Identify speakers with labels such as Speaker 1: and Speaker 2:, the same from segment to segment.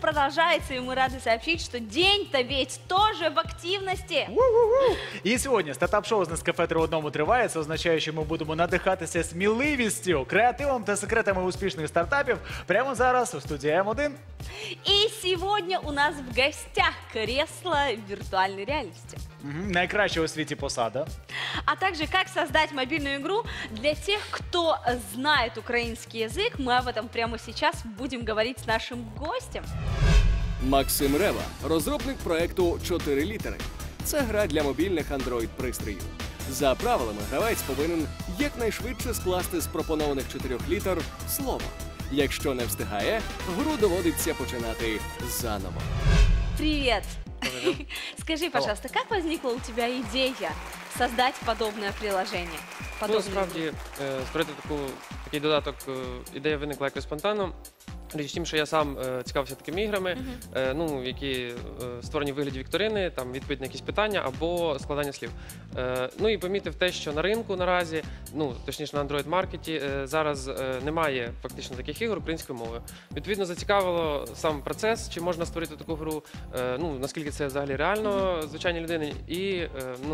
Speaker 1: продолжается, и мы рады сообщить, что день-то ведь тоже в активности.
Speaker 2: І сьогодні стартап-шоу з Нескафе 3 в одному триває. Це означає, що ми будемо надихатися сміливістю, креативом та секретами успішних стартапів прямо зараз у студії М1.
Speaker 1: И сегодня у нас в гостях кресло виртуальной реальности.
Speaker 2: Найкраща у світі посада.
Speaker 1: А также как создать мобильную игру для тех, кто знает украинский язык. Мы об этом прямо сейчас будем говорить с нашим гостем.
Speaker 3: Максим Рева, розробник проекту «4 літери». Це гра для мобільних Android-пристроїв. За правилами, гравець повинен якнайшвидше скласти з пропонованих 4 літер слово. Якщо не встигає, гру доводиться починати заново.
Speaker 1: Привет! Скажи, пожалуйста, как возникла у тебя идея создать подобное приложение?
Speaker 4: Насправді, створити такий додаток, ідея виникла якось спонтанно. Річ в тім, що я сам цікавився такими іграми, які створені в вигляді вікторини, там відповідь на якісь питання або складання слів. Ну і помітив те, що на ринку наразі, точніше на Android-маркеті, зараз немає фактично таких ігор українською мовою. Відповідно, зацікавило сам процес, чи можна створити таку гру, наскільки це взагалі реально звичайній людині, і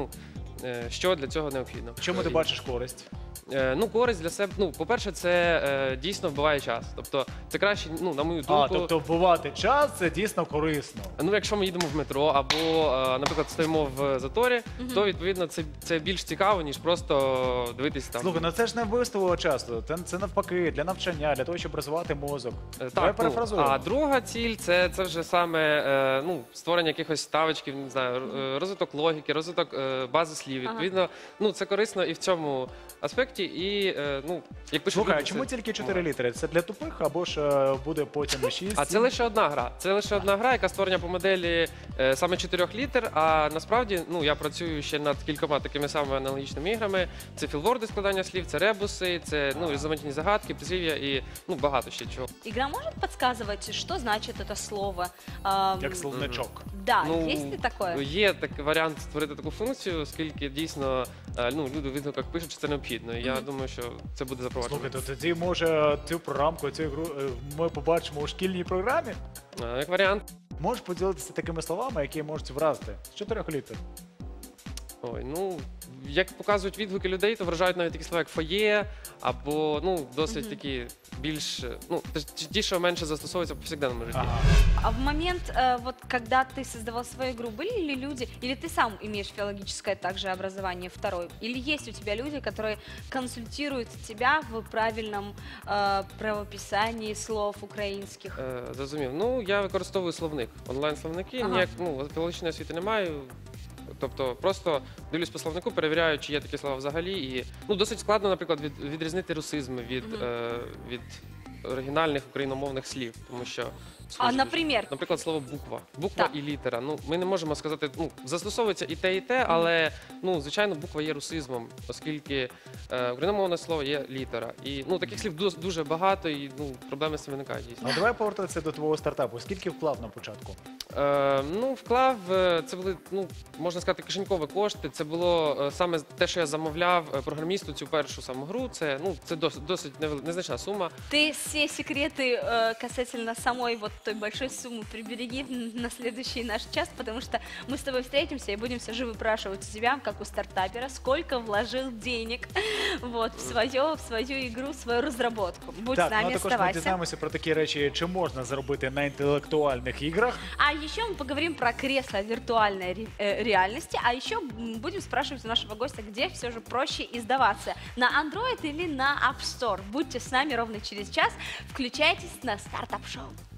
Speaker 4: що для цього необхідно.
Speaker 2: Чому ти бачиш користь?
Speaker 4: Користь для себе, по-перше, це дійсно вбиває час. Тобто, це краще, на мою думку...
Speaker 2: Тобто вбивати час – це дійсно корисно.
Speaker 4: Якщо ми їдемо в метро або, наприклад, стоїмо в заторі, то, відповідно, це більш цікаво, ніж просто дивитися там.
Speaker 2: Слухай, це ж не вбивство часу, це навпаки, для навчання, для того, щоб розвивати мозок. Давай перефразуємо.
Speaker 4: А друга ціль – це вже саме створення якихось ставочків, не знаю, розвиток логіки, розвиток бази слів. Відповідно, це корисно і в цьому аспекті. І, як пишуть
Speaker 2: Слухай,
Speaker 4: люди,
Speaker 2: а чому тільки 4 літери? Це для тупих або ж буде потім 6?
Speaker 4: А це лише одна гра. Це лише одна гра, яка створена по моделі саме 4 літер, а насправді, я працюю ще над кількома такими самими аналогічними іграми. Це філворди, складання слів, це ребуси, це різноманітні загадки, прислів'я і багато ще чого.
Speaker 1: Игра может подсказывать, что значит это слово?
Speaker 2: Як словничок.
Speaker 1: Да, есть ли такое?
Speaker 4: Є такий варіант створити таку функцію, оскільки дійсно люди в відгуках пишуть, що це необхідно. Я думаю, що це буде запроваджено.
Speaker 2: Слухай, то тоді, може, цю програмку, цю ігру ми побачимо у шкільній програмі?
Speaker 4: Як варіант.
Speaker 2: Можеш поділитися такими словами, які можуть вразити з 4 літер?
Speaker 4: Ой, як показують відгуки людей, то вражають навіть такі слова, як фоє, або, досить такі більш, ті, що менше застосовуються в повсякденному житті.
Speaker 1: А в момент, когда ты создавал свою игру, были ли люди, или ты сам имеешь филологическое также образование второе, или есть у тебя люди, которые консультируют тебя в правильном правописании слов українських?
Speaker 4: Зрозумів. Я використовую словник, онлайн-словники, філологічної освіти не маю. Тобто просто дивлюсь по словнику, перевіряю, чи є такі слова взагалі. І досить складно, наприклад, відрізнити русизми від оригінальних україномовних слів, тому що наприклад, слово буква і літера. Ми не можемо сказати, застосовується і те, але звичайно, буква є русизмом, оскільки україномовне слово є літера. І таких слів дуже багато, і проблеми з цим виникають дійсно.
Speaker 2: А давай повертатися до твого стартапу. Скільки вклав на початку?
Speaker 4: Вклав, це були, можна сказати, кишенькові кошти. Це було саме те, що я замовляв програмісту цю першу саму гру. Це досить незначна сума.
Speaker 1: Ты все секреты касательно самой той большой суммы прибереги на следующий наш час, потому что мы с тобой встретимся и будем все же выпрашивать у тебя, как у стартапера, сколько вложил денег в свою игру, в свою разработку. Будь с нами,
Speaker 2: також ми
Speaker 1: оставайся.
Speaker 2: дізнаємося про такі речі, чи можна заробити на інтелектуальних іграх.
Speaker 1: А еще мы поговорим про кресло виртуальной реальности, а еще будем спрашивать у нашего гостя, где все же проще издаваться, на Android или на App Store. Будьте с нами ровно через час, включайтесь на стартап-шоу.